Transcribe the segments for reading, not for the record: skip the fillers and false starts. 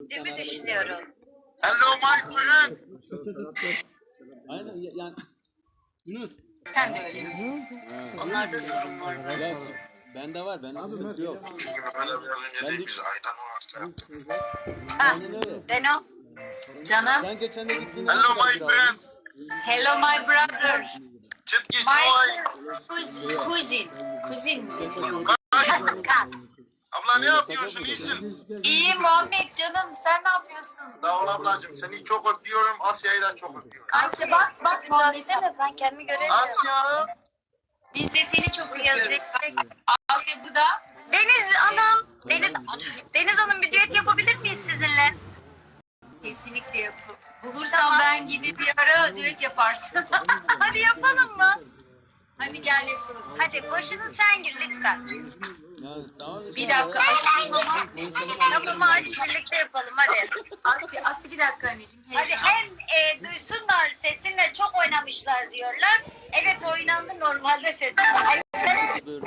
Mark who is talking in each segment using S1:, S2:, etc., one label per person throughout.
S1: Değil düşünüyorum.
S2: Hello my friend.
S3: Aynen yani Yunus.
S1: Sen de öyle. Onlarda sorun var mı?
S3: Ya bende var, bende sıkıntı yok.
S2: Çünkü böyle biraz önce değil biz aydan o hasta yaptık.
S3: Aynen öyle.
S1: Deno. Canım.
S3: Sen geçen de gittin.
S2: Hello my friend.
S1: Hello my brother.
S2: Çıt geç
S1: My
S2: oy.
S1: cousin mi deniliyor? Kas.
S2: Abla ne yapıyorsun iyisin?
S1: İyi Muhammed canım, sen ne yapıyorsun?
S2: Sağ ol ablacığım seni çok öpüyorum. Asya'yı da çok öpüyorum.
S1: Asya bak Muhammed.
S4: Ben kendimi göremiyorum.
S2: Asya.
S1: Biz de seni çok öpüyoruz. Asya burada.
S4: Deniz Hanım, Deniz Hanım bir düet yapabilir miyiz sizinle?
S1: Kesinlikle yapıp. Bulursam ben gibi bir ara düet yaparsın.
S4: Hadi yapalım mı?
S1: Hadi gel yapalım.
S4: Hadi başını sen gir lütfen.
S3: Ya, tamam,
S1: Bir dakika açayım ama.
S4: Yapımı aç birlikte yapalım hadi.
S1: Asya bir dakika anneciğim.
S4: Hadi hem duysunlar sesinle çok oynamışlar diyorlar. Evet oynandı normalde sesinle.
S3: Dur.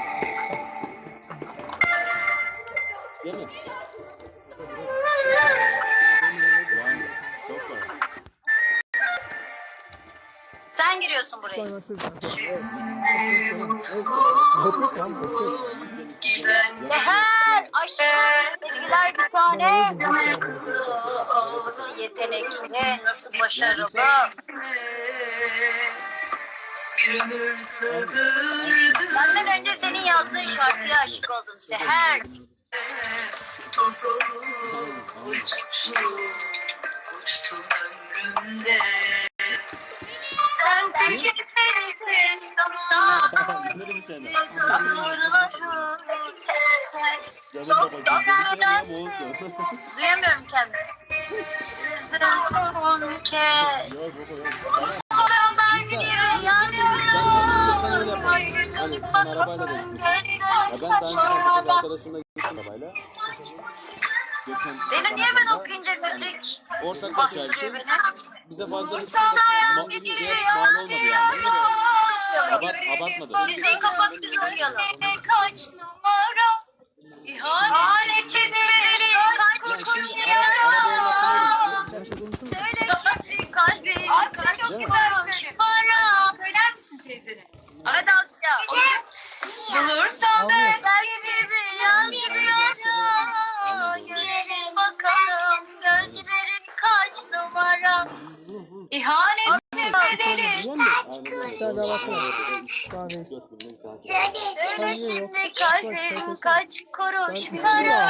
S3: Değil mi? Yani, çok var.
S4: Sen giriyorsun buraya. Seher aşkım sevgiler bir tane. Nasıl yetenekli, nasıl başarılı.
S1: Bir ömür sığdırdı.
S4: Benden önce senin yazdığın şarkıya aşık oldum Seher.
S1: Toz olup uçtum ömrümde. Sen tüketmedin sana.
S3: Bunları bir şey
S4: Satırları
S3: Canım babacığım. Konuşamıyorum ama olsun.
S4: duyamıyorum kendimi. Son kez.
S3: Yok yok.
S4: Sonra ben gidiyorum yanıyorum.
S3: Hani sen arabayla da gitmişsin. Ya ben daha önce arkadaşımla gittim arabayla.
S4: Deli niye ben okuyunca müzik
S3: Ortak
S4: bastırıyor
S3: yaşayışım.
S4: beni?
S3: Bize fazla bir
S4: Sana
S3: mal olmadı yani. Abartmadı.
S4: Müziği kapat biz okuyalım.
S1: Kaç numara
S4: İhanetin bedeli kaç kuruş yara. Söyle şimdi kalbim kaç
S1: çok güzel
S4: kuruş para.
S1: söyler misin teyzene?
S4: Hadi Asya.
S1: Bulursam ben
S4: Kalbimi yansıyorum. Görelim bakalım gözlerin kaç numara.
S1: ihanetin bedeli.
S4: Söyle şimdi kalbim kaç kuruş para.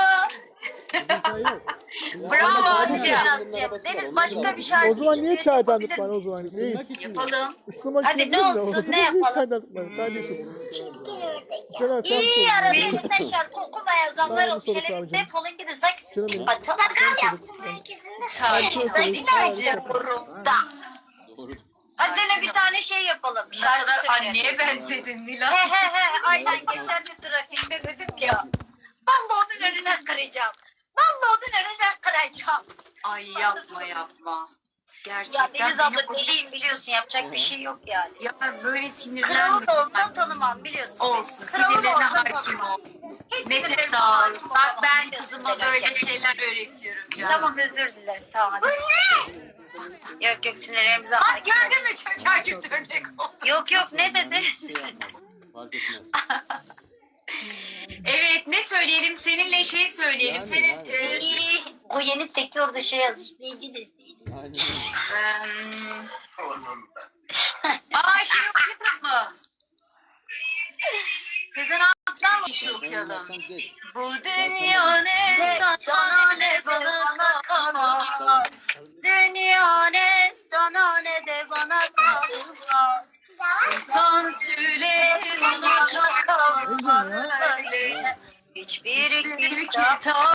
S1: Bravo Asya.
S4: Deniz başka bir şarkı
S5: O zaman niye
S4: için
S5: çaydanlık
S4: yapabilir
S5: var o
S4: miyiz?
S5: zaman? Reis.
S1: Yapalım.
S5: Isınmak
S4: Hadi
S5: için
S4: ne
S5: değil de
S4: olsun,
S5: o zaman
S4: ne
S5: niye
S4: yapalım?
S5: çaydanlık var kardeşim? Kenan sen
S4: İyi
S5: sor.
S4: arabiyete şarkı okumaya zamlar
S5: Ben
S4: ol.
S5: bir soru
S4: Şöyle
S5: soracağım.
S4: defolun gidin zaks.
S5: Kenan
S4: Batalakal yaptım herkesin de söyleyeceğim burumda.
S3: Doğru.
S4: Hadi ne bir tane şey yapalım.
S1: Ne
S4: Şarkı
S1: kadar
S4: söyleyelim.
S1: anneye benzedin Nila.
S4: He aynen geçen bir trafikte dedim ya. Vallahi onun önüne kıracağım. Vallahi onun önüne kıracağım.
S1: Ay yapma.
S4: Ya
S1: Gerçekten
S4: Deniz abla
S1: beni
S4: deliyim biliyorsun yapacak bir şey yok yani.
S1: ya böyle
S4: Kralı
S1: sinirlenme.
S4: da olsan tanımam biliyorsun.
S1: Olsun.
S4: Kralı da
S1: Sinirlerine
S4: olsan
S1: hakim
S4: tanımam.
S1: ol.
S4: Hiç
S1: Nefes
S4: sinirlerime
S1: al.
S4: hakim
S1: Bak
S4: olamam,
S1: ben
S4: biliyorsun
S1: kızıma
S4: sen
S1: böyle
S4: önce.
S1: şeyler öğretiyorum canım.
S4: Tamam özür dilerim tamam hadi. Yok sinirlerimize
S1: Bak
S4: hakim.
S1: gördün mü çocuğa kötü örnek oldu.
S4: Yok ne dedi?
S3: Şey yapmaz. Fark etmez.
S1: Evet ne söyleyelim? Seninle şey söyleyelim.
S3: Yani,
S1: Senin
S3: yani.
S4: O yeni tekli orada şey yazmış. Bilgi de
S3: Aynen.
S1: şey okuyalım mı? Sezen Aksu'dan mı şey okuyalım?
S3: Sen geç.
S1: Bu dünya ne sana ne bana kalmaz.
S4: Dünya ne sana ne de bana kalmaz.
S1: Sultan Süleyman'a kalmaz öyle.
S4: Hiçbir
S1: bir
S4: kitap
S1: kitap